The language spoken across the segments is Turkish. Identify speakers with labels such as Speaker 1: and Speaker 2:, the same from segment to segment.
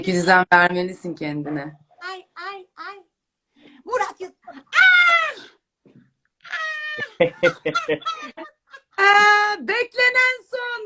Speaker 1: düzen vermelisin kendine.
Speaker 2: Ay ay ay. Murat Yıl.
Speaker 1: Beklenen son.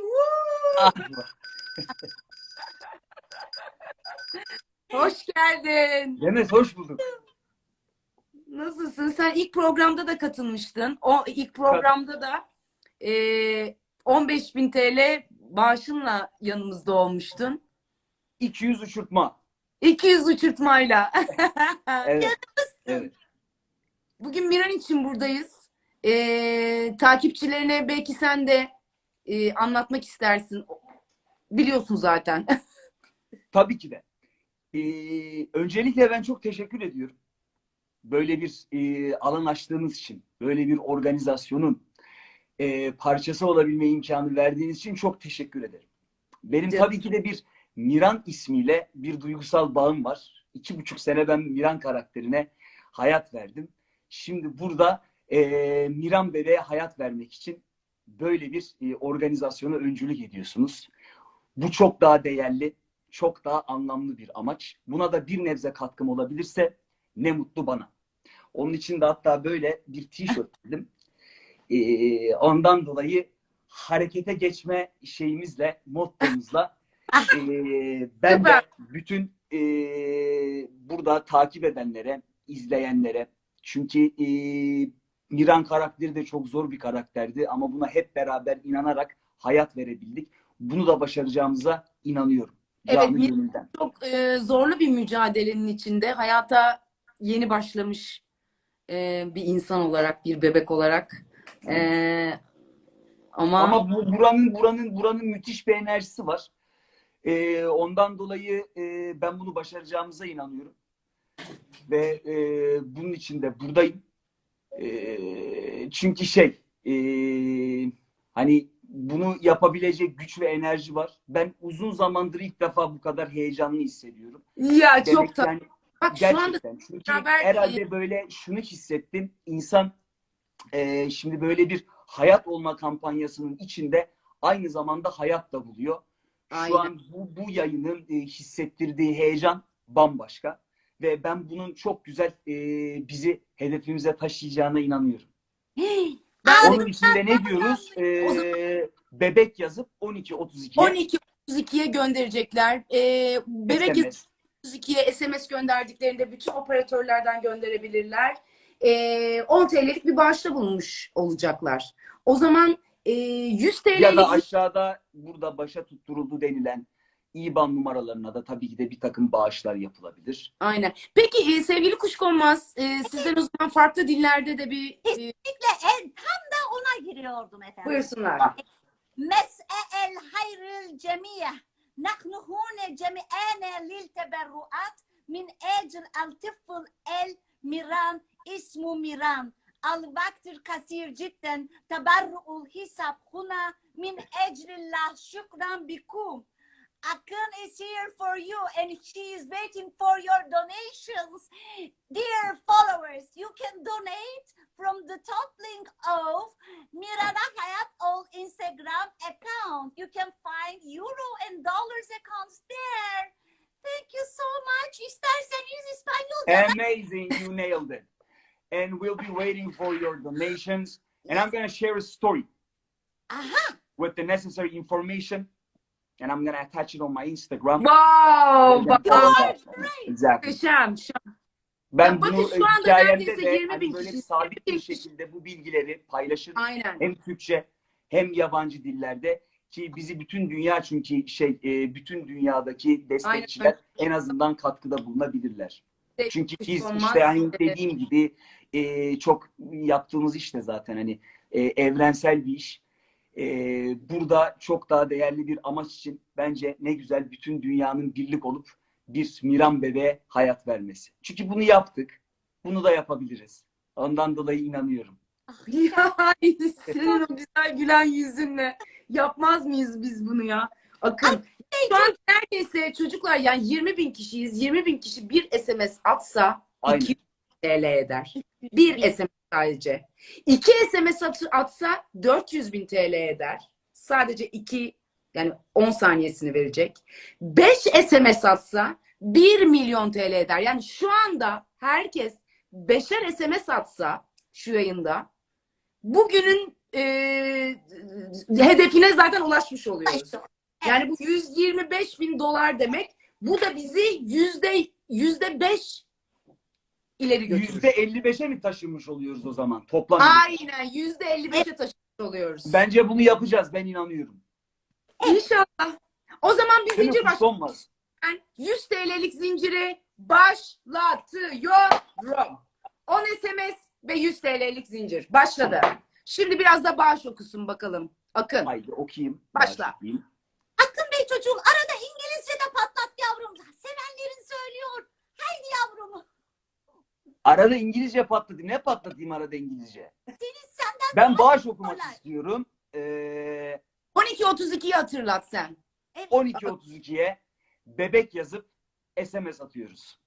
Speaker 1: Hoş geldin.
Speaker 3: Demet hoş bulduk.
Speaker 1: Nasılsın? Sen ilk programda da katılmıştın. O ilk programda da 15.000 TL bağışınla yanımızda olmuştun.
Speaker 3: 200 uçurtma.
Speaker 1: 200 uçurtmayla.
Speaker 3: Evet. Evet.
Speaker 1: Bugün Miran için buradayız. Takipçilerine belki sen de anlatmak istersin. Biliyorsun zaten.
Speaker 3: Tabii ki de. Öncelikle ben çok teşekkür ediyorum. Böyle bir alan açtığınız için, böyle bir organizasyonun parçası olabilme imkanı verdiğiniz için çok teşekkür ederim. Benim tabii ki de bir Miran ismiyle bir duygusal bağım var. 2,5 sene ben Miran karakterine hayat verdim. Şimdi burada Miran bebeğe hayat vermek için böyle bir organizasyona öncülük ediyorsunuz. Bu çok daha değerli, çok daha anlamlı bir amaç. Buna da bir nebze katkım olabilirse ne mutlu bana. Onun için de hatta böyle bir tişört dedim. Ondan dolayı harekete geçme şeyimizle, mottomuzla ben de bütün burada takip edenlere, izleyenlere, çünkü Miran karakteri de çok zor bir karakterdi ama buna hep beraber inanarak hayat verebildik. Bunu da başaracağımıza inanıyorum. Canı
Speaker 1: Evet,
Speaker 3: gönülden.
Speaker 1: çok zorlu bir mücadelenin içinde hayata yeni başlamış bir insan olarak, bir bebek olarak.
Speaker 3: Ama buranın müthiş bir enerjisi var. Ondan dolayı ben bunu başaracağımıza inanıyorum. Ve bunun için de buradayım. Çünkü hani bunu yapabilecek güç ve enerji var. Ben uzun zamandır ilk defa bu kadar heyecanlı hissediyorum.
Speaker 1: Ya
Speaker 3: Demek
Speaker 1: çok tatlı.
Speaker 3: yani
Speaker 1: Bak şu anda
Speaker 3: gerçekten. Çünkü
Speaker 1: beraber
Speaker 3: herhalde böyle şunu hissettim. İnsan şimdi böyle bir hayat olma kampanyasının içinde aynı zamanda hayat da buluyor. Şu
Speaker 1: aynen.
Speaker 3: an bu yayının hissettirdiği heyecan bambaşka. Ve ben bunun çok güzel bizi hedefimize taşıyacağına inanıyorum.
Speaker 1: Ben de
Speaker 3: Onun için de ne diyoruz?
Speaker 1: o zaman
Speaker 3: Bebek yazıp 1232'ye
Speaker 1: 12.32'ye gönderecekler. Bebek yazıp
Speaker 3: SMS.
Speaker 1: 32'ye SMS gönderdiklerinde bütün operatörlerden gönderebilirler. 10 TL'lik bir bağışta bulunmuş olacaklar. O zaman 100
Speaker 3: Ya da
Speaker 1: TL'lik
Speaker 3: aşağıda burada başa tutturuldu denilen IBAN numaralarına da tabii ki de bir takım bağışlar yapılabilir.
Speaker 1: aynen. Peki sevgili Kuşkonmaz, sizden o zaman farklı dillerde de bir
Speaker 2: Kesinlikle tam da ona giriyordum efendim.
Speaker 1: buyursunlar.
Speaker 2: Mes'el hayril cemiye. Nahnu hune cemi'ane lil teberruat min ecil al tifl el miran ismu miran. Al vaktir kasir cidden teberru'ul hisab huna min eclillah şükran bikum. Akın is here for you and she is waiting for your donations. Dear followers, you can donate from the top link of Mirana Hayat Ol Instagram account. You can find euro and dollars accounts there. Thank you so much. İsterseniz İspanyolca.
Speaker 3: Amazing, you nailed it. And we'll be waiting for your donations. And I'm going to share a story with the necessary information. And I'm going to attach it on my Instagram.
Speaker 1: Wow!
Speaker 3: Exactly.
Speaker 1: Muhteşem.
Speaker 3: Ben
Speaker 1: Ya bakın
Speaker 3: bunu
Speaker 1: şu anda
Speaker 3: hikayemde
Speaker 1: neredeyse
Speaker 3: de
Speaker 1: 20
Speaker 3: hani
Speaker 1: bin
Speaker 3: böyle
Speaker 1: kişi.
Speaker 3: sabit bir şekilde bu bilgileri paylaşırım.
Speaker 1: Aynen.
Speaker 3: Hem Türkçe hem yabancı dillerde ki bizi bütün dünya çünkü bütün dünyadaki destekçiler
Speaker 1: Aynen.
Speaker 3: en azından katkıda bulunabilirler. Çünkü biz
Speaker 1: Olmaz.
Speaker 3: işte hani dediğim gibi çok yaptığımız işte zaten hani evrensel bir iş. Burada çok daha değerli bir amaç için bence ne güzel bütün dünyanın birlik olup bir Miran bebeğe hayat vermesi. Çünkü bunu yaptık. Bunu da yapabiliriz. Ondan dolayı inanıyorum.
Speaker 1: Ya senin o güzel gülen yüzünle yapmaz mıyız biz bunu ya? Akın. Şu an neredeyse çocuklar yani 20 bin kişiyiz. 20 bin kişi bir SMS atsa
Speaker 3: Aynen.
Speaker 1: 200 TL eder. Bir SMS sadece. 2 SMS atsa 400 bin TL eder. Sadece 2 yani 10 saniyesini verecek. 5 SMS atsa 1 milyon TL eder. Yani şu anda herkes 5'er SMS atsa şu yayında bugünün hedefine zaten ulaşmış oluyoruz. Yani bu 125 bin dolar demek. Bu da bizi %5 ileri götürür.
Speaker 3: %55'e mi taşınmış oluyoruz o zaman toplam?
Speaker 1: Aynen %55'e taşımış oluyoruz.
Speaker 3: Bence bunu yapacağız. Ben inanıyorum.
Speaker 1: İnşallah. O zaman bir
Speaker 3: Değil mi?
Speaker 1: zincir
Speaker 3: Son var.
Speaker 1: Ben 100 TL'lik zinciri başlatıyorum. 10 SMS ve 100 TL'lik zincir. Başladı. Şimdi biraz da bağış okusun bakalım. Akın.
Speaker 3: Haydi okuyayım.
Speaker 1: Başla.
Speaker 3: Başlayayım.
Speaker 2: Akın Bey çocuğum arada İngilizce de patlat yavrum. Sevenlerin söylüyor. Haydi yavrum.
Speaker 3: Arada İngilizce patladı. Ne patlatayım arada İngilizce?
Speaker 2: Senden
Speaker 3: Ben bağış okumak
Speaker 2: kolay.
Speaker 3: istiyorum.
Speaker 1: 12.32'yi hatırlat sen.
Speaker 3: 12.32'ye bebek yazıp SMS atıyoruz.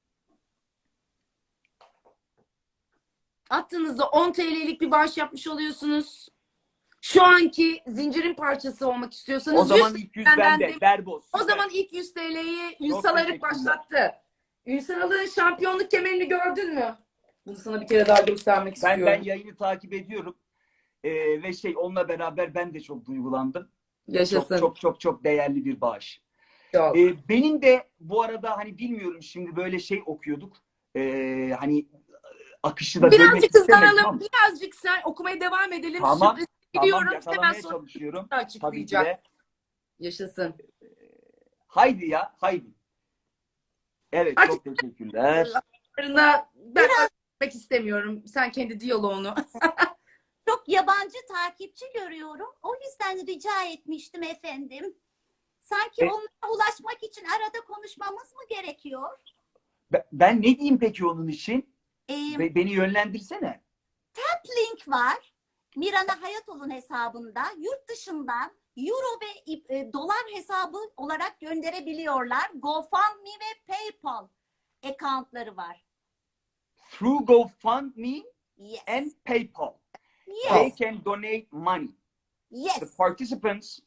Speaker 1: Attığınızda 10 TL'lik bir bağış yapmış oluyorsunuz. Şu anki zincirin parçası olmak istiyorsanız
Speaker 3: O zaman
Speaker 1: 100
Speaker 3: ilk 100
Speaker 1: benden
Speaker 3: bende.
Speaker 1: de-
Speaker 3: Berboz.
Speaker 1: O
Speaker 3: Süper.
Speaker 1: zaman ilk 100 TL'yi
Speaker 3: Çok
Speaker 1: Ünsal Arık
Speaker 3: teşekkürler.
Speaker 1: başlattı. Ünsal Arık'ın şampiyonluk kemerini gördün mü? Bunu sana bir kere daha göstermek
Speaker 3: Ben
Speaker 1: istiyorum.
Speaker 3: yayını takip ediyorum. Ve onunla beraber ben de çok duygulandım.
Speaker 1: Yaşasın.
Speaker 3: Çok değerli bir bağış.
Speaker 1: Çok.
Speaker 3: Benim de bu arada hani bilmiyorum şimdi böyle okuyorduk. Hani akışı da bölmek
Speaker 1: Birazcık
Speaker 3: istemedim
Speaker 1: hızlanalım.
Speaker 3: ama.
Speaker 1: Birazcık sen okumaya devam edelim.
Speaker 3: Tamam,
Speaker 1: Sürpriz
Speaker 3: Tamam,
Speaker 1: gidiyorum. Hemen
Speaker 3: yakalamaya
Speaker 1: sonra
Speaker 3: çalışıyorum. Tabii ki
Speaker 1: açıklayacak.
Speaker 3: de.
Speaker 1: Yaşasın.
Speaker 3: Haydi ya, haydi. Evet,
Speaker 1: Artık-
Speaker 3: çok teşekkürler.
Speaker 1: Ben öğretmek istemiyorum. Sen kendi diyaloğunu.
Speaker 2: çok yabancı takipçi görüyorum. O yüzden rica etmiştim efendim. Sanki onlara ulaşmak için arada konuşmamız mı gerekiyor?
Speaker 3: Ben ne diyeyim peki onun için?
Speaker 2: Ee,
Speaker 3: Beni yönlendirsene.
Speaker 2: link var. Mirana Hayatol'un hesabında yurt dışından euro ve dolar hesabı olarak gönderebiliyorlar. GoFundMe ve PayPal accountları var.
Speaker 3: Through GoFundMe
Speaker 2: Yes.
Speaker 3: and PayPal,
Speaker 2: Yes.
Speaker 3: they can donate money. The
Speaker 2: Yes.
Speaker 3: participants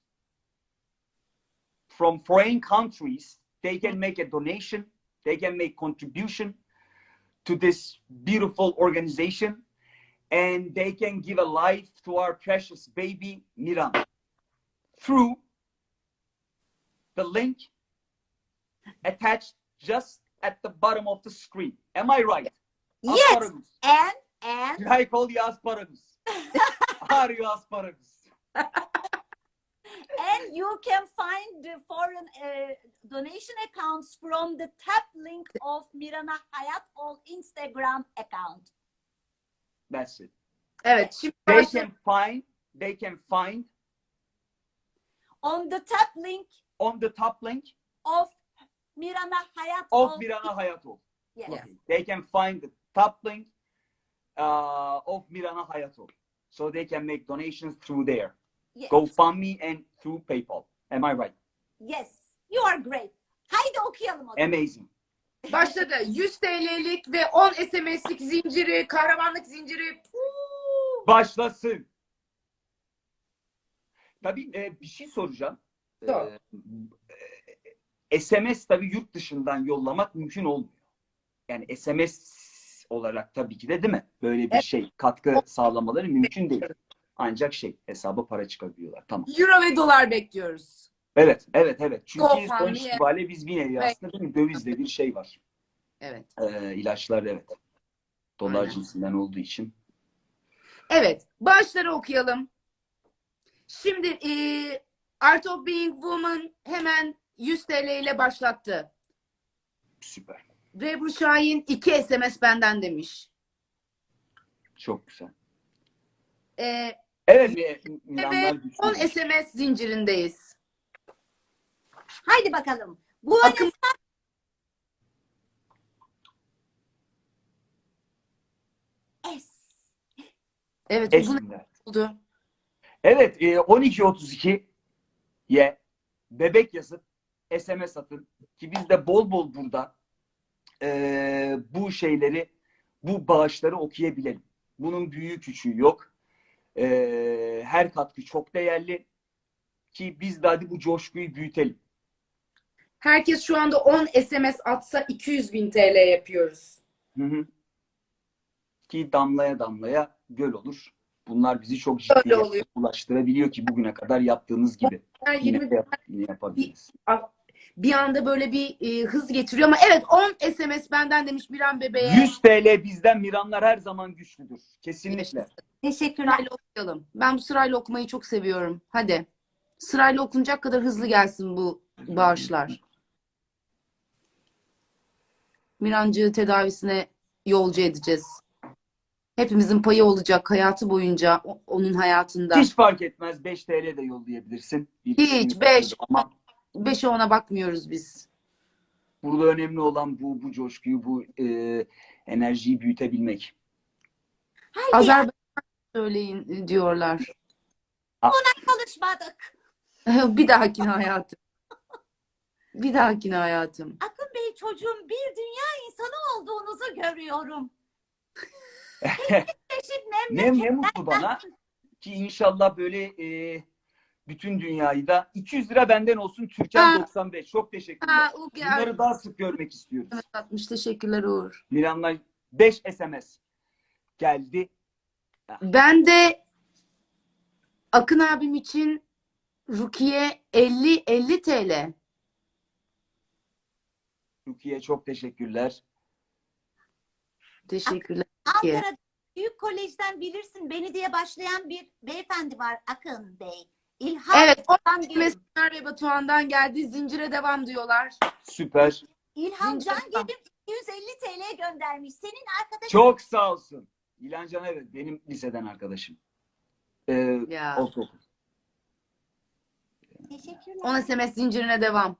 Speaker 3: from foreign countries, they can make a donation, they can make contribution to this beautiful organization, and they can give a life to our precious baby Miran through the link attached just at the bottom of the screen. Am I right?
Speaker 2: Yes.
Speaker 3: Asparagus.
Speaker 2: And
Speaker 3: Did I call you asparagus? Are you asparagus?
Speaker 2: and you can find the foreign donation accounts from the top link of Mirana Hayatol Instagram account.
Speaker 3: That's it.
Speaker 1: Evet. Şimdi
Speaker 3: They can find
Speaker 2: On the top link
Speaker 3: on the top link
Speaker 2: of Mirana Hayatol.
Speaker 3: of Mirana Hayatol.
Speaker 2: Yes.
Speaker 1: Yeah.
Speaker 3: They can find the top link of Mirana Hayatol. So they can make donations through there.
Speaker 2: Yes.
Speaker 3: GoFundMe and through PayPal. Am I right?
Speaker 2: Yes. You are great. Haydi okuyalım o zaman.
Speaker 3: Amazing.
Speaker 1: başladı. 100 TL'lik ve 10 SMS'lik zinciri, kahramanlık zinciri.
Speaker 3: Başlasın. Tabii bir şey soracağım.
Speaker 1: Sor.
Speaker 3: SMS tabii yurt dışından yollamak mümkün olmuyor. Yani SMS olarak tabii ki de değil mi? Böyle bir katkı sağlamaları mümkün değil. Ancak hesaba para çıkabiliyorlar. Tamam.
Speaker 1: Euro ve dolar bekliyoruz.
Speaker 3: Evet. Çünkü
Speaker 1: GoFundMe.
Speaker 3: sonuç itibariyle biz bir nevi aslında değil mi? Dövizle bir var.
Speaker 1: Evet.
Speaker 3: İlaçlar evet. Dolar
Speaker 1: Aynen.
Speaker 3: cinsinden olduğu için.
Speaker 1: Evet. Bağışları okuyalım. Şimdi Art of Being Woman hemen 100 TL ile başlattı.
Speaker 3: Süper.
Speaker 1: Rebru Şahin 2 SMS benden demiş.
Speaker 3: Çok güzel.
Speaker 1: Evet.
Speaker 3: Evet.
Speaker 1: Ve
Speaker 3: Milanlar
Speaker 1: 10
Speaker 3: güçlü.
Speaker 1: SMS zincirindeyiz.
Speaker 2: Haydi bakalım. Bu
Speaker 1: Akın evet uzun
Speaker 3: Esinler.
Speaker 1: oldu.
Speaker 3: Evet, 12.32'ye bebek yazıp SMS atın ki biz de bol bol burada bu bağışları okuyabilelim. Bunun büyüğü küçüğü yok. Her katkı çok değerli ki biz de hadi bu coşkuyu büyütelim.
Speaker 1: Herkes şu anda 10 SMS atsa 200.000 TL yapıyoruz.
Speaker 3: Hı hı. Ki damlaya damlaya göl olur. Bunlar bizi çok ciddi
Speaker 1: Öyle oluyor.
Speaker 3: ulaştırabiliyor ki bugüne kadar yaptığınız gibi. Yine
Speaker 1: 20
Speaker 3: de yine yapabiliriz.
Speaker 1: bir anda böyle bir hız getiriyor ama evet 10 SMS benden demiş Miran bebeğe.
Speaker 3: 100 TL bizden, Miranlar her zaman güçlüdür. Kesinlikle.
Speaker 2: Teşekkürler.
Speaker 1: Sırayla okuyalım. Ben bu sırayla okumayı çok seviyorum. Hadi. Sırayla okunacak kadar hızlı gelsin bu bağışlar. Mirancığı tedavisine yolcu edeceğiz. Hepimizin payı olacak hayatı boyunca onun hayatında.
Speaker 3: Hiç fark etmez. 5 TL de yollayabilirsin. Bir
Speaker 1: Hiç,
Speaker 3: ismini
Speaker 1: 5.
Speaker 3: söylüyorum ama
Speaker 1: 5'e 10'a bakmıyoruz biz.
Speaker 3: burada önemli olan bu coşkuyu, bu enerjiyi büyütebilmek.
Speaker 2: Haydi
Speaker 1: Azerbaycan söyleyin diyorlar.
Speaker 2: konuşmadık.
Speaker 1: Bir dahakine hayatım. Bir dahakine hayatım.
Speaker 2: Akın Bey çocuğum bir dünya insanı olduğunuzu görüyorum. Çeşit
Speaker 3: Ne mutlu bana ki inşallah böyle bütün dünyayı da 200 lira benden olsun Türkan
Speaker 1: Ha.
Speaker 3: 95. Çok teşekkürler.
Speaker 1: Ha, o geldi.
Speaker 3: Bunları daha sık görmek istiyoruz.
Speaker 1: Evet, 60 teşekkürler Uğur.
Speaker 3: Miranlar 5 SMS geldi.
Speaker 1: Ben de Akın abim için Rukiye 50 TL.
Speaker 3: Rukiye çok teşekkürler.
Speaker 1: Teşekkürler. Rukiye.
Speaker 2: Ankara Büyük Kolej'den bilirsin beni diye başlayan bir beyefendi var Akın Bey. İlham
Speaker 1: Evet, o
Speaker 2: Can Gelin.
Speaker 1: mesajlar ve Batuhan'dan geldi. Zincire devam diyorlar.
Speaker 3: Süper.
Speaker 2: İlham
Speaker 1: Zincire
Speaker 2: Can
Speaker 1: devam.
Speaker 2: Gelin 250 TL göndermiş. Senin arkadaşın
Speaker 3: Çok sağ olsun. İlhan Can evet benim liseden arkadaşım.
Speaker 1: Ya.
Speaker 3: Ortaokul.
Speaker 2: teşekkürler.
Speaker 1: 10 SMS zincirine devam.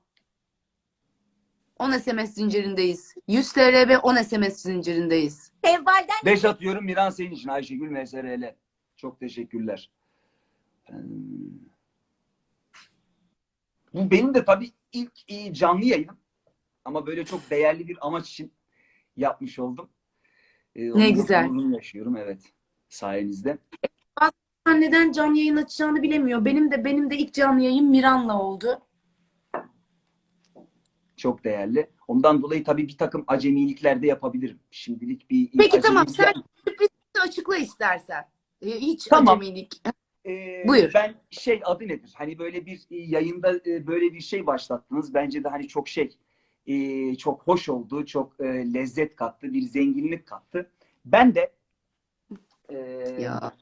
Speaker 1: 10 SMS zincirindeyiz. 100 TL ve 10 SMS zincirindeyiz.
Speaker 2: Sevval'den
Speaker 3: 5 atıyorum Miran senin için Ayşegül MSRL. Çok teşekkürler. Bu benim de tabii ilk canlı yayınım. Ama böyle çok değerli bir amaç için yapmış oldum. Onun da
Speaker 1: güzel.
Speaker 3: gururunu yaşıyorum evet sayenizde.
Speaker 1: Neden canlı yayın açacağını bilemiyor. Benim de ilk canlı yayın Miran'la oldu.
Speaker 3: Çok değerli. Ondan dolayı tabii bir takım acemilikler de yapabilirim. Şimdilik bir
Speaker 1: Peki tamam
Speaker 3: acemilik
Speaker 1: sen sürprizi açıkla istersen. Hiç
Speaker 3: Tamam.
Speaker 1: acemilik.
Speaker 3: Ee,
Speaker 1: Buyur.
Speaker 3: Ben adı nedir? Hani böyle bir yayında böyle bir şey başlattınız. Bence de hani çok çok hoş oldu. Çok lezzet kattı. Bir zenginlik kattı. Ben de
Speaker 1: Ya.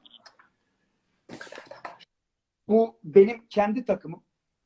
Speaker 3: bu benim kendi takımım.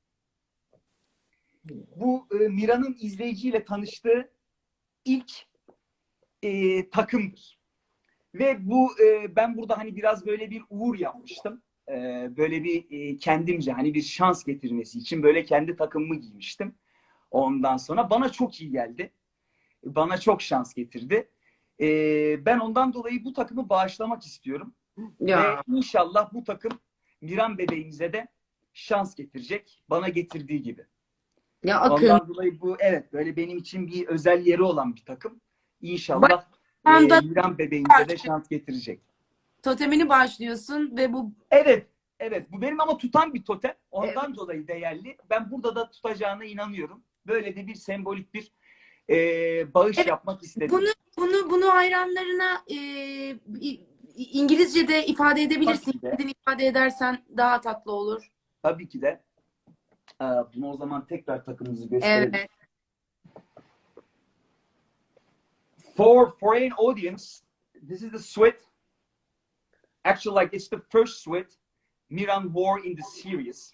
Speaker 3: Bu Mira'nın izleyiciyle tanıştığı ilk takımdır. Ve bu ben burada hani biraz böyle bir uğur yapmıştım. Böyle bir kendimce hani bir şans getirmesi için böyle kendi takımımı giymiştim. Ondan sonra bana çok iyi geldi. Bana çok şans getirdi. Ben ondan dolayı bu takımı bağışlamak istiyorum.
Speaker 1: Ya.
Speaker 3: Ve inşallah bu takım Miran bebeğimize de şans getirecek. Bana getirdiği gibi.
Speaker 1: Ya Akın.
Speaker 3: Ondan dolayı bu evet böyle benim için bir özel yeri olan bir takım. İnşallah
Speaker 1: Anda
Speaker 3: Miran bebeğimize de şans getirecek.
Speaker 1: totemini başlıyorsun ve bu
Speaker 3: Evet, evet. Bu benim ama tutan bir totem. Ondan dolayı değerli. Ben burada da tutacağına inanıyorum. Böyle de bir sembolik bir bağış
Speaker 1: Evet,
Speaker 3: yapmak istedim.
Speaker 1: bunu hayranlarına İngilizce'de ifade edebilirsin.
Speaker 3: Tabii ki de.
Speaker 1: Kendin ifade edersen daha tatlı olur.
Speaker 3: Tabii ki de. Bunu o zaman tekrar takımımızı gösterelim.
Speaker 1: Evet.
Speaker 3: For foreign audience, this is the sweat. Actually, like it's the first sweat Miran wore in the series.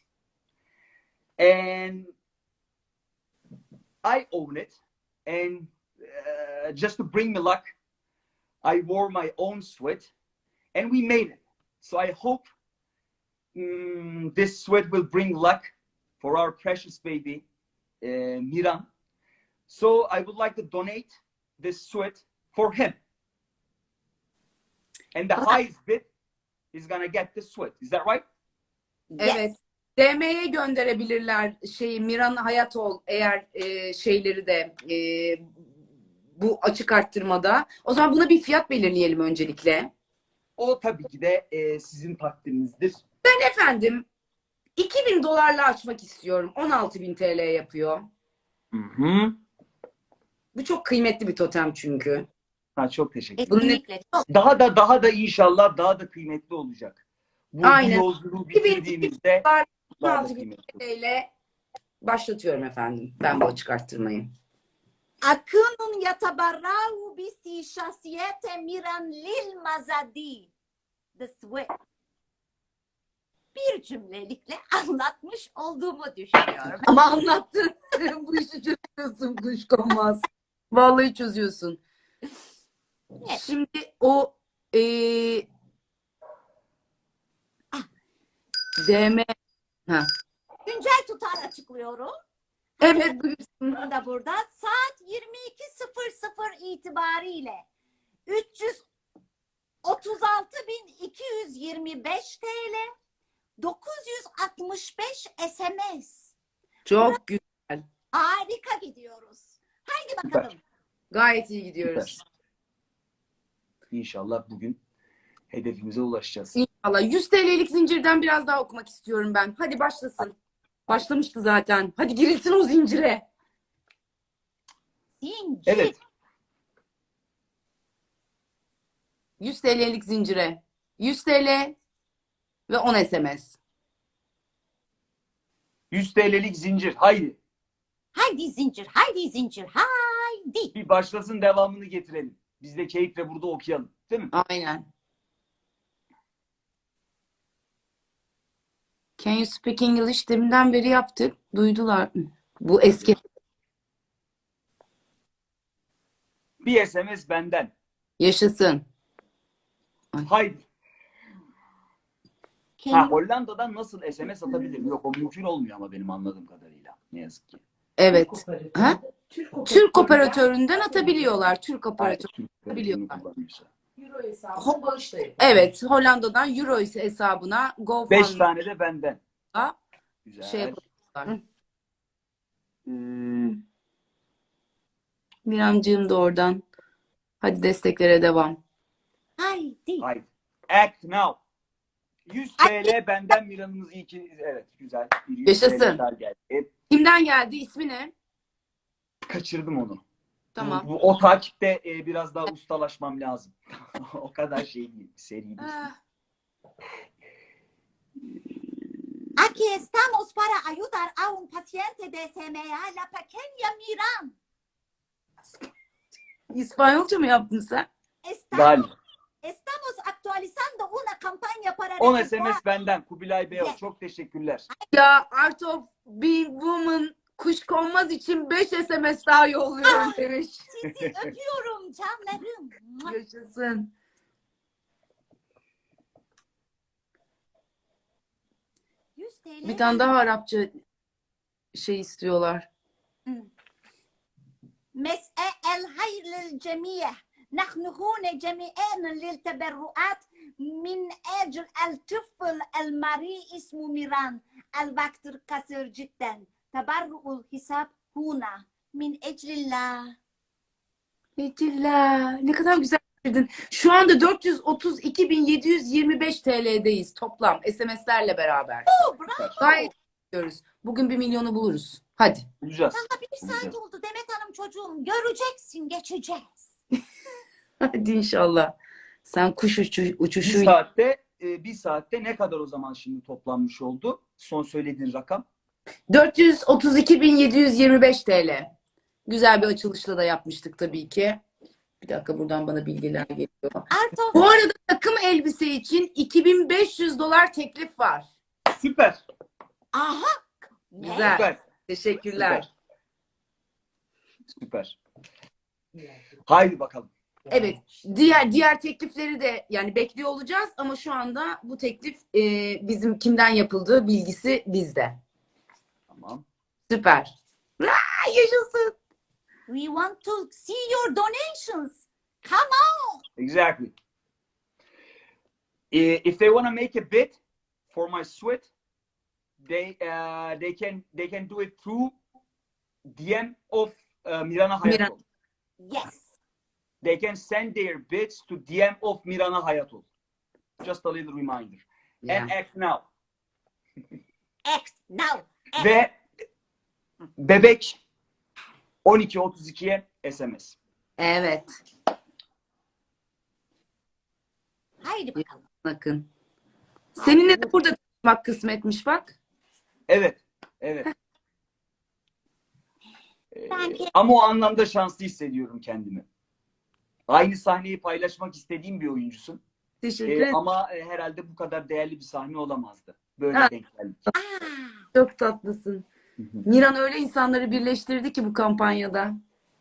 Speaker 3: And I own it. And just to bring me luck, I wore my own sweat. And we made it. So I hope this sweat will bring luck for our precious baby, Miran. So I would like to donate this sweat for him. And the highest bid is gonna get this sweat. Is that right?
Speaker 1: Evet. DM'ye gönderebilirler Miran Hayatol eğer şeyleri de bu açık arttırmada. O zaman buna bir fiyat belirleyelim öncelikle.
Speaker 3: O tabii ki de sizin takdirinizdir.
Speaker 1: Efendim $2.000 açmak istiyorum. 16.000 TL yapıyor.
Speaker 3: Hı-hı.
Speaker 1: Bu çok kıymetli bir totem çünkü.
Speaker 3: Ha, çok teşekkür ederim.
Speaker 1: Bunun
Speaker 2: Kesinlikle. Çok.
Speaker 3: Daha da inşallah daha da kıymetli olacak. Bu
Speaker 1: Aynen.
Speaker 3: yolculuğu bitirdiğimizde daha da
Speaker 1: 26 bin
Speaker 3: kıymetli.
Speaker 1: TL ile başlatıyorum efendim. Ben bu açık arttırmayı.
Speaker 2: Akınun yatabarrahu bisi şahsiyete miran lil mazadi. The switch. Bir cümlelikle anlatmış olduğumu düşünüyorum.
Speaker 1: Ama anlattın. Bu işi çözüyorsun kuşkonmaz. Vallahi çözüyorsun.
Speaker 2: Evet.
Speaker 1: Şimdi o DM ha.
Speaker 2: Güncel tutar açıklıyorum.
Speaker 1: Evet buyursun.
Speaker 2: Bunu da burada saat 22.00 itibariyle 336.225 TL 965 SMS.
Speaker 1: Çok güzel.
Speaker 2: Harika gidiyoruz. Haydi bakalım.
Speaker 3: Süper.
Speaker 1: Gayet iyi gidiyoruz.
Speaker 3: Süper. İnşallah bugün hedefimize ulaşacağız.
Speaker 1: İnşallah. 100 TL'lik zincirden biraz daha okumak istiyorum ben. Hadi başlasın. Başlamıştı zaten. Hadi girilsin o zincire.
Speaker 2: Zincir.
Speaker 3: Evet.
Speaker 1: 100 TL'lik zincire. 100 TL ve 10 SMS.
Speaker 3: 100 TL'lik zincir. Haydi.
Speaker 2: Haydi zincir. Haydi zincir. Haydi.
Speaker 3: Bir başlasın, devamını getirelim. Biz de keyifle burada okuyalım. Değil mi?
Speaker 1: Aynen. Can you speak English? Deminden beri yaptık. Duydular. Bu eski.
Speaker 3: Bir SMS benden.
Speaker 1: Yaşasın.
Speaker 3: Haydi. Ha,
Speaker 2: Kendimi
Speaker 3: Hollanda'dan nasıl SMS atabilirim? Yok, o mümkün olmuyor ama benim anladığım kadarıyla. Ne yazık ki.
Speaker 1: Evet. Ha? Türk operatöründen atabiliyorlar. Türk
Speaker 3: Hayır,
Speaker 1: operatörü.
Speaker 3: Türk
Speaker 1: Biliyorlar.
Speaker 3: televizyonu kullanıyorsa.
Speaker 1: Euro hesabına bağışlayın. Evet. Hollanda'dan Euro hesabına
Speaker 3: 5
Speaker 1: GoFundMe'ye
Speaker 3: tane de benden. Güzel.
Speaker 1: şey yapıyorlar. Miramcığım da oradan. Hadi desteklere devam.
Speaker 2: haydi.
Speaker 3: Haydi. Act now. 100 TL benden, Miran'ımız iyi ki. Evet, güzel. Bir 100
Speaker 1: Yaşasın.
Speaker 3: TL daha geldi.
Speaker 1: Kimden geldi? İsmi ne?
Speaker 3: Kaçırdım onu.
Speaker 1: Tamam.
Speaker 3: O takipte biraz daha ustalaşmam lazım. O kadar şey değil. Seri değil.
Speaker 1: Ah,
Speaker 2: Aquí estamos para ayudar a un paciente de SMA, la pequeña Miran.
Speaker 1: İspanyolca mı yaptın sen?
Speaker 3: Galiba.
Speaker 2: Estamos actualizando una campaña para
Speaker 3: 10
Speaker 2: recuperar-
Speaker 3: SMS benden. Kubilay Beyaz.
Speaker 2: Yes.
Speaker 3: Çok teşekkürler.
Speaker 1: Ya Art of Being Woman kuşkonmaz için 5 SMS daha yolluyorum demiş.
Speaker 2: Sizi öpüyorum canlarım.
Speaker 1: Yaşasın.
Speaker 2: 100 TL.
Speaker 1: Bir tane daha Arapça şey istiyorlar.
Speaker 2: مساء الخير للجميع نحن هنا جميعا للتبرعات من أجل الطفل المريء اسمه ميران الوقت قصير جدا تبرع الحساب هنا من أجل الله.
Speaker 1: Betüllah, ne kadar güzel bitirdin. Şu anda 432.725 TL'deyiz toplam SMS'lerle beraber.
Speaker 2: Bravo.
Speaker 1: Gayet gidiyoruz. Bugün 1 milyonu buluruz. Hadi.
Speaker 3: Bulacağız.
Speaker 2: Daha bir saat oldu Demet Hanım çocuğum. Göreceksin, geçeceğiz.
Speaker 1: Hadi inşallah. Sen kuş
Speaker 3: Bir
Speaker 1: uçuşuyla.
Speaker 3: saatte ne kadar o zaman şimdi toplanmış oldu? Son söylediğin rakam.
Speaker 1: 432.725 TL. Güzel bir açılışla da yapmıştık tabii ki. Bir dakika, buradan bana bilgiler geliyor.
Speaker 2: Arto,
Speaker 1: Bu arada takım elbise için $2.500 teklif var.
Speaker 3: Süper.
Speaker 2: aha. Ne?
Speaker 1: Güzel.
Speaker 3: Süper.
Speaker 1: Teşekkürler.
Speaker 3: Süper. Haydi bakalım.
Speaker 1: Evet. Diğer teklifleri de yani bekliyor olacağız ama şu anda bu teklif bizim kimden yapıldığı bilgisi bizde.
Speaker 3: Tamam.
Speaker 1: Süper. Yaşasın.
Speaker 2: We want to see your donations. Come on.
Speaker 3: Exactly. If they want to make a bid for my sweat, they can do it through DM of Mirana Hayatol.
Speaker 2: Yes.
Speaker 3: They can send their bids to DM of Mirana Hayatol. Just a little reminder.
Speaker 1: Yeah.
Speaker 3: And act now.
Speaker 2: Act now. Act.
Speaker 3: Ve bebek 12.32'ye SMS.
Speaker 1: Evet.
Speaker 2: Haydi bakalım.
Speaker 1: Bakın. Seninle de burada tanışmak kısmetmiş bak.
Speaker 3: Evet. Evet.
Speaker 2: Ben
Speaker 3: Ama o anlamda şanslı hissediyorum kendimi. Aynı sahneyi paylaşmak istediğim bir oyuncusun.
Speaker 1: Teşekkür ederim.
Speaker 3: Ama herhalde bu kadar değerli bir sahne olamazdı. Böyle
Speaker 1: Ha.
Speaker 3: denk geldik.
Speaker 2: Aa,
Speaker 1: Çok tatlısın. Miran öyle insanları birleştirdi ki bu kampanyada.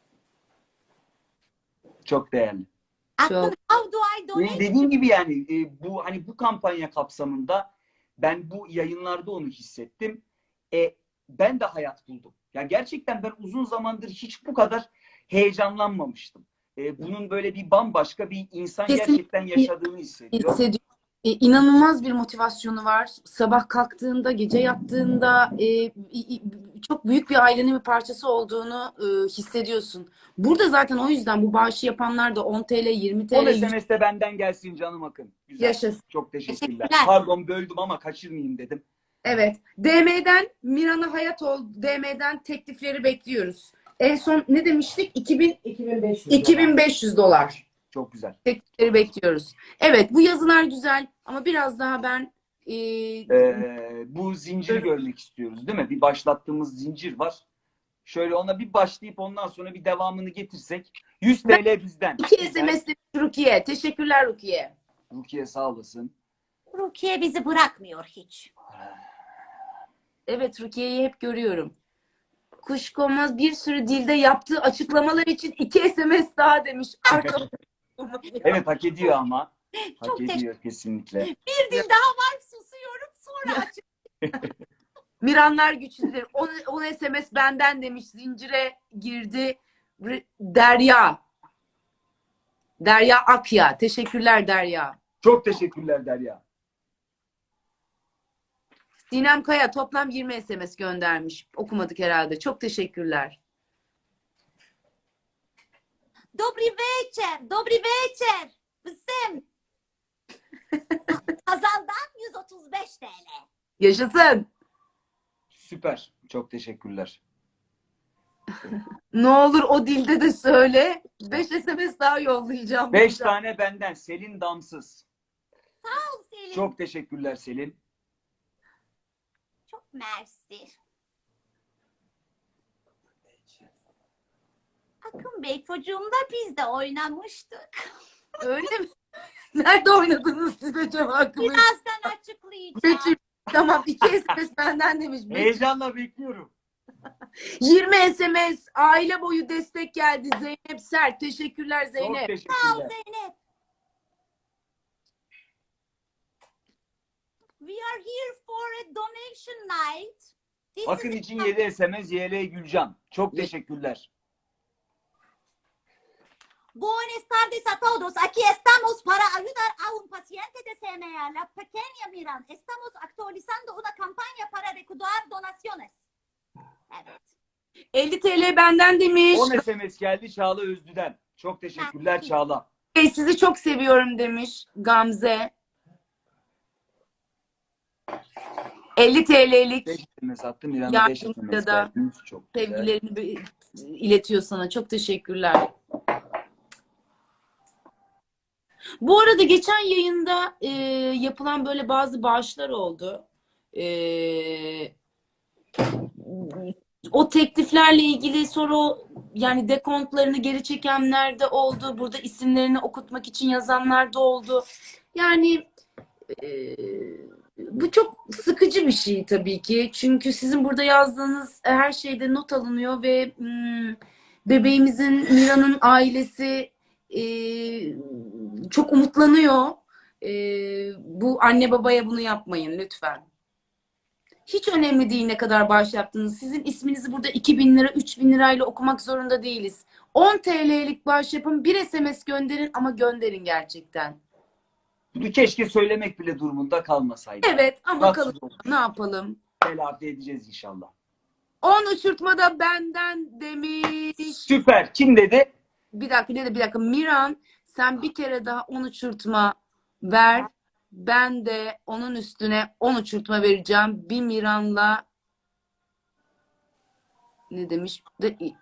Speaker 3: Çok değerli.
Speaker 2: Akın, how do I donate?
Speaker 3: Dediğim gibi yani bu hani bu kampanya kapsamında ben bu yayınlarda onu hissettim. Ben de hayat buldum. Yani gerçekten ben uzun zamandır hiç bu kadar heyecanlanmamıştım. Bunun böyle bir bambaşka bir insan
Speaker 1: Kesinlikle
Speaker 3: gerçekten yaşadığını hissediyorum.
Speaker 1: hissediyorum. İnanılmaz bir motivasyonu var. Sabah kalktığında, gece yattığında çok büyük bir ailenin bir parçası olduğunu hissediyorsun. Burada zaten o yüzden bu bağışı yapanlar da 10 TL, 20
Speaker 3: 10
Speaker 1: TL, 100
Speaker 3: SMS de benden gelsin canım Akın. Güzel.
Speaker 1: yaşasın.
Speaker 3: Çok teşekkürler.
Speaker 2: Teşekkürler.
Speaker 3: Pardon böldüm ama kaçırmayayım dedim.
Speaker 1: Evet. DM'den Miran'a hayat ol. DM'den teklifleri bekliyoruz. En son ne demiştik? 2500 dolar.
Speaker 3: Çok güzel.
Speaker 1: Teklifleri bekliyoruz. Evet, bu yazılar güzel ama biraz daha ben
Speaker 3: Bu zinciri görmek istiyoruz değil mi? Bir başlattığımız zincir var. Şöyle ona bir başlayıp ondan sonra bir devamını getirsek. 100 TL bizden.
Speaker 1: 2
Speaker 3: Güzel.
Speaker 1: SMS'li Rukiye. Teşekkürler Rukiye.
Speaker 3: Rukiye sağ olasın.
Speaker 2: Rukiye bizi bırakmıyor hiç.
Speaker 1: Evet, Rukiye'yi hep görüyorum. Kuşkonmaz bir sürü dilde yaptığı açıklamalar için 2 SMS daha demiş.
Speaker 3: Evet hak ediyor ama. Hak
Speaker 2: Çok
Speaker 3: ediyor kesinlikle.
Speaker 2: Bir dil daha var, susuyorum, sonra açık.
Speaker 1: Miranlar güçlüdür. 10 SMS benden demiş. Zincire girdi. Derya. Derya Akya. Teşekkürler Derya.
Speaker 3: Çok teşekkürler Derya.
Speaker 1: Sinem Kaya toplam 20 SMS göndermiş. Okumadık herhalde. Çok teşekkürler.
Speaker 2: Dobry večer, dobry večer. Bizim Hazal'dan 135 TL.
Speaker 1: Yaşasın.
Speaker 3: Süper. Çok teşekkürler.
Speaker 1: Ne olur o dilde de söyle. 5 SMS daha yollayacağım.
Speaker 3: 5 tane benden. Selin Damsız.
Speaker 2: Sağ ol Selin.
Speaker 3: Çok teşekkürler Selin.
Speaker 2: Çok mersi. Akın Bey çocuğumla biz de oynamıştık.
Speaker 1: Öyle mi? Nerede oynadınız siz acaba hakkında?
Speaker 2: Birazdan açıklayacağım.
Speaker 1: Betül, tamam 2 SMS benden demiş. Betül,
Speaker 3: Heyecanla bekliyorum.
Speaker 1: 20 SMS aile boyu destek geldi. Zeynep Sert. Teşekkürler
Speaker 3: Çok
Speaker 1: Zeynep.
Speaker 2: Sağ ol
Speaker 3: teşekkürler.
Speaker 2: Zeynep. We are here for a donation night. This
Speaker 3: Akın
Speaker 2: is
Speaker 3: için 7 SMS YL Gülcan. Çok teşekkürler.
Speaker 2: Buenas tardes a todos. Aquí estamos para ayudar a un paciente de CMA, la pequeña Miran. Estamos actualizando una campaña para recaudar donaciones. Evet.
Speaker 1: 50 TL benden demiş.
Speaker 3: 10 SMS geldi Çağla Özlü'den. Çok teşekkürler Çağla.
Speaker 1: Sizi çok seviyorum demiş Gamze. 50 TL'lik
Speaker 3: 5 SMS attım. İran'a 5
Speaker 1: Yardımcı
Speaker 3: SMS
Speaker 1: da
Speaker 3: verdiniz. Çok güzel.
Speaker 1: sevgilerini iletiyor sana. Çok teşekkürler. Bu arada geçen yayında yapılan böyle bazı bağışlar oldu. O tekliflerle ilgili sonra yani dekontlarını geri çekenler de oldu. Burada isimlerini okutmak için yazanlar da oldu. Yani bu çok sıkıcı bir şey tabii ki. Çünkü sizin burada yazdığınız her şeyde not alınıyor ve bebeğimizin, Mira'nın ailesi çok umutlanıyor. Bu anne babaya bunu yapmayın lütfen. Hiç önemli değil ne kadar bağış yaptınız. Sizin isminizi burada 2.000 lira, 3.000 lirayla okumak zorunda değiliz. 10 TL'lik bağış yapın, bir SMS gönderin ama gönderin gerçekten.
Speaker 3: Bunu keşke söylemek bile durumunda kalmasaydı.
Speaker 1: Evet ama
Speaker 3: Tatsız
Speaker 1: bakalım
Speaker 3: olmuş.
Speaker 1: ne yapalım.
Speaker 3: Telafi edeceğiz inşallah.
Speaker 1: 10 uçurtma da benden demiş.
Speaker 3: Süper. Kim dedi?
Speaker 1: Bir dakika. Miran sen bir kere daha 10 uçurtma ver. Ben de onun üstüne 10 uçurtma vereceğim. Bir Miran'la ne demiş?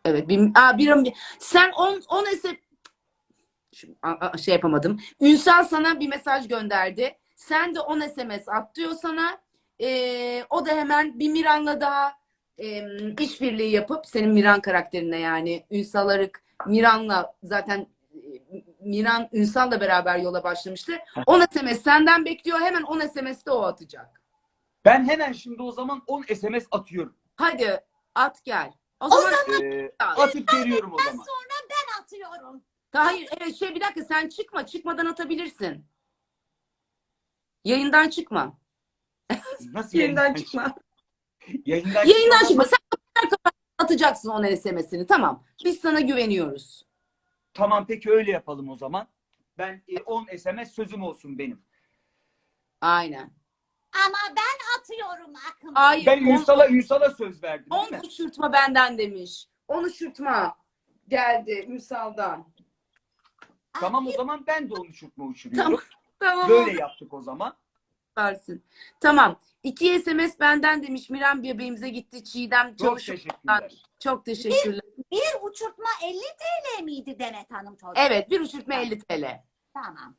Speaker 1: Evet. Sen 10 SMS şey yapamadım. Ünsal sana bir mesaj gönderdi. Sen de 10 SMS at diyor sana. O da hemen bir Miran'la daha işbirliği yapıp senin Miran karakterine yani Ünsal Arık Miran'la zaten Miran Ünsal'la beraber yola başlamıştı. 10 SMS senden bekliyor. Hemen 10 SMS de o atacak.
Speaker 3: Ben hemen şimdi o zaman 10 SMS atıyorum.
Speaker 1: Hadi at gel. O zaman
Speaker 3: Atıp veriyorum o zaman.
Speaker 2: Sonra ben atıyorum.
Speaker 1: hayır evet bir dakika sen çıkma. Çıkmadan atabilirsin. Yayından çıkma.
Speaker 3: Nasıl
Speaker 1: Yayından çıkma.
Speaker 3: Yayından
Speaker 1: Yayından
Speaker 3: çıkmadan-
Speaker 1: çıkma. Sen atacaksın 10 SMS'ini. Tamam. Biz sana güveniyoruz.
Speaker 3: Tamam peki öyle yapalım o zaman. Ben 10 SMS sözüm olsun benim.
Speaker 1: Aynen.
Speaker 2: Ama ben atıyorum Akın.
Speaker 1: Hayır.
Speaker 3: Ben Ünsal'a söz verdim değil
Speaker 1: 10
Speaker 3: mi?
Speaker 1: uçurtma benden demiş. 10 uçurtma geldi Ünsal'dan.
Speaker 3: Tamam o zaman ben de onu uçuruyorum.
Speaker 1: Tamam.
Speaker 3: Böyle yaptık o zaman.
Speaker 1: Versin. Tamam. 2 SMS benden demiş. Miran bebeğimize gitti. Çiğdem
Speaker 3: Çok
Speaker 1: çalışıyor.
Speaker 3: teşekkürler.
Speaker 1: Çok teşekkürler.
Speaker 2: Bir uçurtma 50 TL miydi Demet Hanım çocuğum?
Speaker 1: Evet. Bir uçurtma 50 TL.
Speaker 2: Tamam.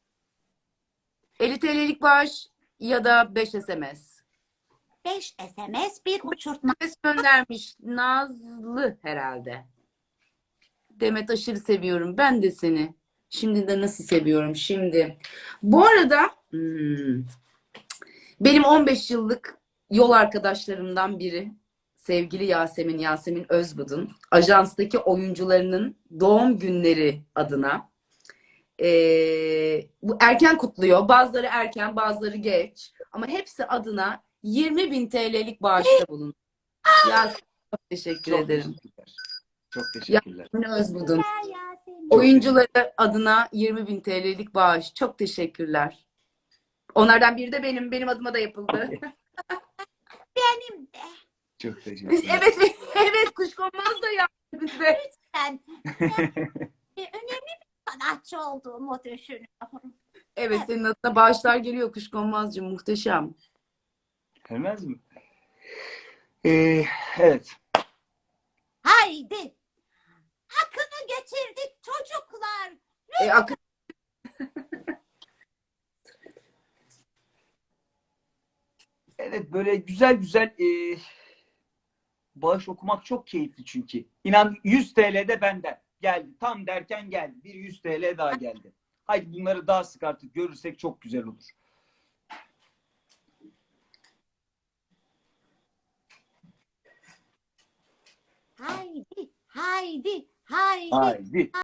Speaker 1: 50 TL'lik bağış ya da 5 SMS.
Speaker 2: 5 SMS bir uçurtma.
Speaker 1: SMS göndermiş. Nazlı herhalde. Demet aşırı seviyorum. Ben de seni. Şimdi de nasıl seviyorum şimdi. Bu arada benim 15 yıllık yol arkadaşlarımdan biri sevgili Yasemin Özbudun ajanstaki oyuncularının doğum günleri adına bu erken kutluyor. Bazıları erken bazıları geç ama hepsi adına 20.000 TL'lik bağışta bulundu. Yasemin çok teşekkür
Speaker 3: Çok
Speaker 1: ederim.
Speaker 3: teşekkürler. Çok teşekkürler.
Speaker 1: Yasemin Özbudun.
Speaker 2: Yasemin.
Speaker 1: Oyuncuları adına 20.000 TL'lik bağış. Çok teşekkürler. Onlardan biri de benim adıma da yapıldı.
Speaker 2: Benim de.
Speaker 3: Çok teşekkürler.
Speaker 1: evet Kuşkonmaz da yaptı bize.
Speaker 2: Ben önemli bir sanatçı olduğumu düşünüyorum.
Speaker 1: Evet senin adına bağışlar geliyor Kuşkonmazcığım muhteşem.
Speaker 3: Gelmez mi? Evet.
Speaker 2: Haydi. Akın'ı getirdik çocuklar.
Speaker 1: Akın
Speaker 3: Evet böyle güzel bağış okumak çok keyifli çünkü. İnan 100 TL de benden geldi. Tam derken geldi. Bir 100 TL daha geldi. Haydi bunları daha sık artık görürsek çok güzel olur.
Speaker 2: Haydi, haydi, haydi.
Speaker 3: Haydi.